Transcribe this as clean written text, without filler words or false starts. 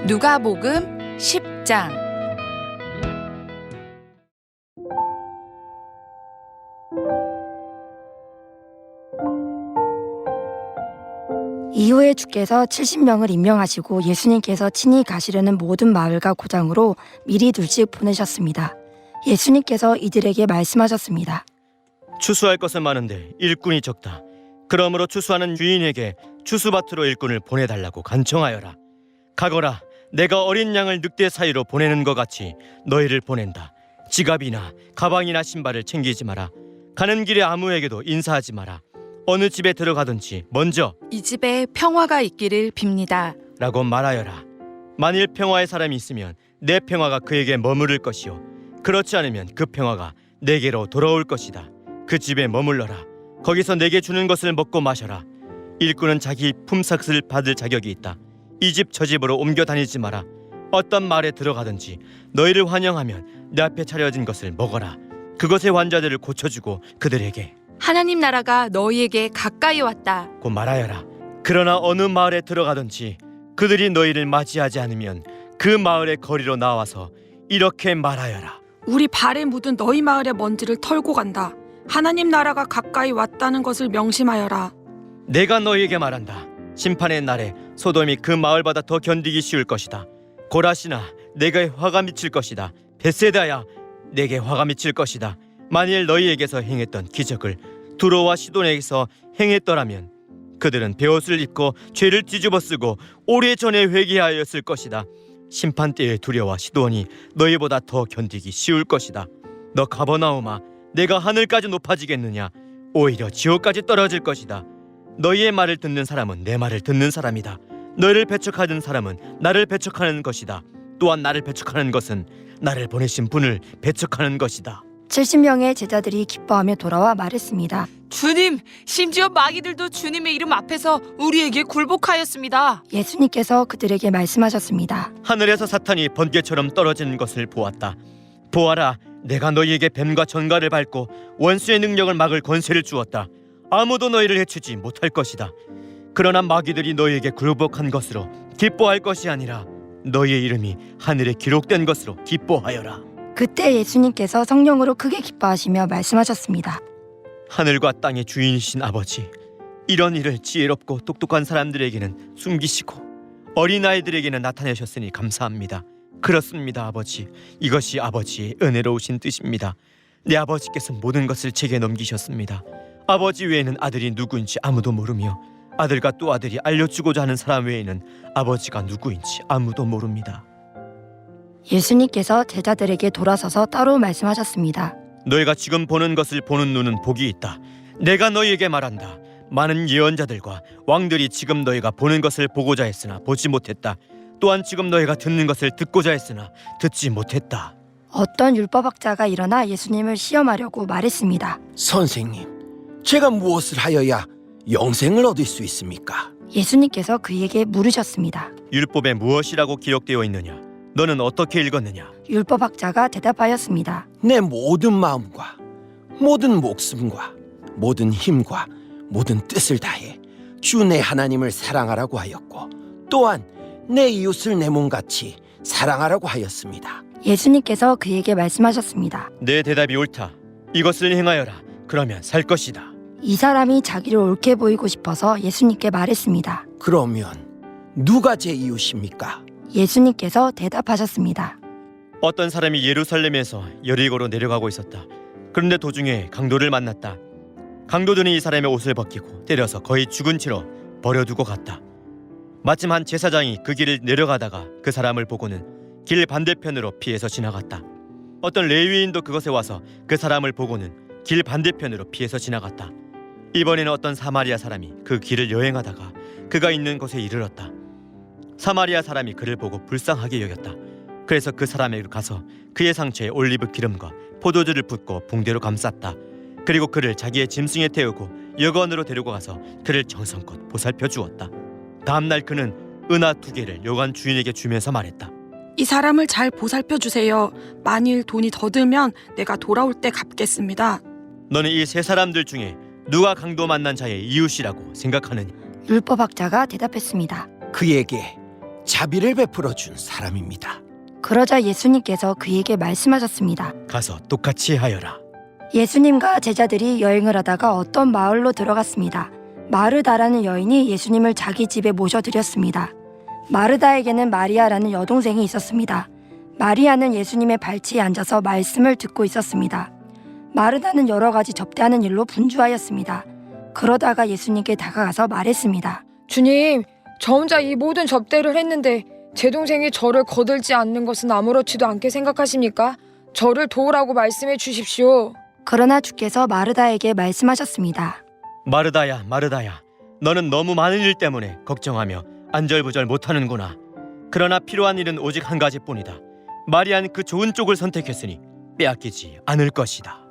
누가복음 10장. 이후에 주께서 70명을 임명하시고 예수님께서 친히 가시려는 모든 마을과 고장으로 미리 둘씩 보내셨습니다. 예수님께서 이들에게 말씀하셨습니다. 추수할 것은 많은데 일꾼이 적다. 그러므로 추수하는 주인에게 추수밭으로 일꾼을 보내달라고 간청하여라. 가거라. 내가 어린 양을 늑대 사이로 보내는 것 같이 너희를 보낸다. 지갑이나 가방이나 신발을 챙기지 마라. 가는 길에 아무에게도 인사하지 마라. 어느 집에 들어가든지 먼저 이 집에 평화가 있기를 빕니다. 라고 말하여라. 만일 평화의 사람이 있으면 내 평화가 그에게 머무를 것이요 그렇지 않으면 그 평화가 내게로 돌아올 것이다. 그 집에 머물러라. 거기서 내게 주는 것을 먹고 마셔라. 일꾼은 자기 품삯을 받을 자격이 있다. 이 집 저 집으로 옮겨 다니지 마라. 어떤 마을에 들어가든지 너희를 환영하면 내 앞에 차려진 것을 먹어라. 그것의 환자들을 고쳐주고 그들에게 하나님 나라가 너희에게 가까이 왔다 고 말하여라. 그러나 어느 마을에 들어가든지 그들이 너희를 맞이하지 않으면 그 마을의 거리로 나와서 이렇게 말하여라. 우리 발에 묻은 너희 마을의 먼지를 털고 간다. 하나님 나라가 가까이 왔다는 것을 명심하여라. 내가 너희에게 말한다. 심판의 날에 소돔이 그 마을보다 더 견디기 쉬울 것이다. 고라시나 내게 화가 미칠 것이다. 벳세다야 내게 화가 미칠 것이다. 만일 너희에게서 행했던 기적을 두로와 시돈에게서 행했더라면 그들은 베옷을 입고 죄를 뒤집어쓰고 오래전에 회개하였을 것이다. 심판 때의 두려와 시돈이 너희보다 더 견디기 쉬울 것이다. 너 가버나움아, 내가 하늘까지 높아지겠느냐? 오히려 지옥까지 떨어질 것이다. 너희의 말을 듣는 사람은 내 말을 듣는 사람이다. 너희를 배척하는 사람은 나를 배척하는 것이다. 또한 나를 배척하는 것은 나를 보내신 분을 배척하는 것이다. 70명의 제자들이 기뻐하며 돌아와 말했습니다. 주님, 심지어 마귀들도 주님의 이름 앞에서 우리에게 굴복하였습니다. 예수님께서 그들에게 말씀하셨습니다. 하늘에서 사탄이 번개처럼 떨어지는 것을 보았다. 보아라, 내가 너희에게 뱀과 전갈을 밟고 원수의 능력을 막을 권세를 주었다. 아무도 너희를 해치지 못할 것이다. 그러나 마귀들이 너희에게 굴복한 것으로 기뻐할 것이 아니라 너희의 이름이 하늘에 기록된 것으로 기뻐하여라. 그때 예수님께서 성령으로 크게 기뻐하시며 말씀하셨습니다. 하늘과 땅의 주인이신 아버지, 이런 일을 지혜롭고 똑똑한 사람들에게는 숨기시고 어린아이들에게는 나타내셨으니 감사합니다. 그렇습니다, 아버지. 이것이 아버지의 은혜로우신 뜻입니다. 내 아버지께서 모든 것을 제게 넘기셨습니다. 아버지 외에는 아들이 누구인지 아무도 모르며 아들과 또 아들이 알려주고자 하는 사람 외에는 아버지가 누구인지 아무도 모릅니다. 예수님께서 제자들에게 돌아서서 따로 말씀하셨습니다. 너희가 지금 보는 것을 보는 눈은 복이 있다. 내가 너희에게 말한다. 많은 예언자들과 왕들이 지금 너희가 보는 것을 보고자 했으나 보지 못했다. 또한 지금 너희가 듣는 것을 듣고자 했으나 듣지 못했다. 어떤 율법학자가 일어나 예수님을 시험하려고 말했습니다. 선생님, 제가 무엇을 하여야 영생을 얻을 수 있습니까? 예수님께서 그에게 물으셨습니다. 율법에 무엇이라고 기록되어 있느냐? 너는 어떻게 읽었느냐? 율법학자가 대답하였습니다. 내 모든 마음과 모든 목숨과 모든 힘과 모든 뜻을 다해 주 내 하나님을 사랑하라고 하였고 또한 내 이웃을 내 몸같이 사랑하라고 하였습니다. 예수님께서 그에게 말씀하셨습니다. 내 대답이 옳다. 이것을 행하여라. 그러면 살 것이다. 이 사람이 자기를 옳게 보이고 싶어서 예수님께 말했습니다. 그러면 누가 제 이웃입니까? 예수님께서 대답하셨습니다. 어떤 사람이 예루살렘에서 여리고로 내려가고 있었다. 그런데 도중에 강도를 만났다. 강도들은 이 사람의 옷을 벗기고 때려서 거의 죽은 채로 버려두고 갔다. 마침 한 제사장이 그 길을 내려가다가 그 사람을 보고는 길 반대편으로 피해서 지나갔다. 어떤 레위인도 그곳에 와서 그 사람을 보고는 길 반대편으로 피해서 지나갔다. 이번에는 어떤 사마리아 사람이 그 길을 여행하다가 그가 있는 곳에 이르렀다. 사마리아 사람이 그를 보고 불쌍하게 여겼다. 그래서 그 사람에게 가서 그의 상처에 올리브 기름과 포도주를 붓고 붕대로 감쌌다. 그리고 그를 자기의 짐승에 태우고 여관으로 데리고 가서 그를 정성껏 보살펴 주었다. 다음날 그는 은하 2개를 여관 주인에게 주면서 말했다. 이 사람을 잘 보살펴 주세요. 만일 돈이 더 들면 내가 돌아올 때 갚겠습니다. 너는 이 세 사람들 중에 누가 강도 만난 자의 이웃이라고 생각하느냐? 율법학자가 대답했습니다. 그에게 자비를 베풀어 준 사람입니다. 그러자 예수님께서 그에게 말씀하셨습니다. 가서 똑같이 하여라. 예수님과 제자들이 여행을 하다가 어떤 마을로 들어갔습니다. 마르다라는 여인이 예수님을 자기 집에 모셔드렸습니다. 마르다에게는 마리아라는 여동생이 있었습니다. 마리아는 예수님의 발치에 앉아서 말씀을 듣고 있었습니다. 마르다는 여러 가지 접대하는 일로 분주하였습니다. 그러다가 예수님께 다가가서 말했습니다. 주님, 저 혼자 이 모든 접대를 했는데 제 동생이 저를 거들지 않는 것은 아무렇지도 않게 생각하십니까? 저를 도우라고 말씀해 주십시오. 그러나 주께서 마르다에게 말씀하셨습니다. 마르다야, 마르다야, 너는 너무 많은 일 때문에 걱정하며 안절부절 못하는구나. 그러나 필요한 일은 오직 한 가지뿐이다. 마리아는 그 좋은 쪽을 선택했으니 빼앗기지 않을 것이다.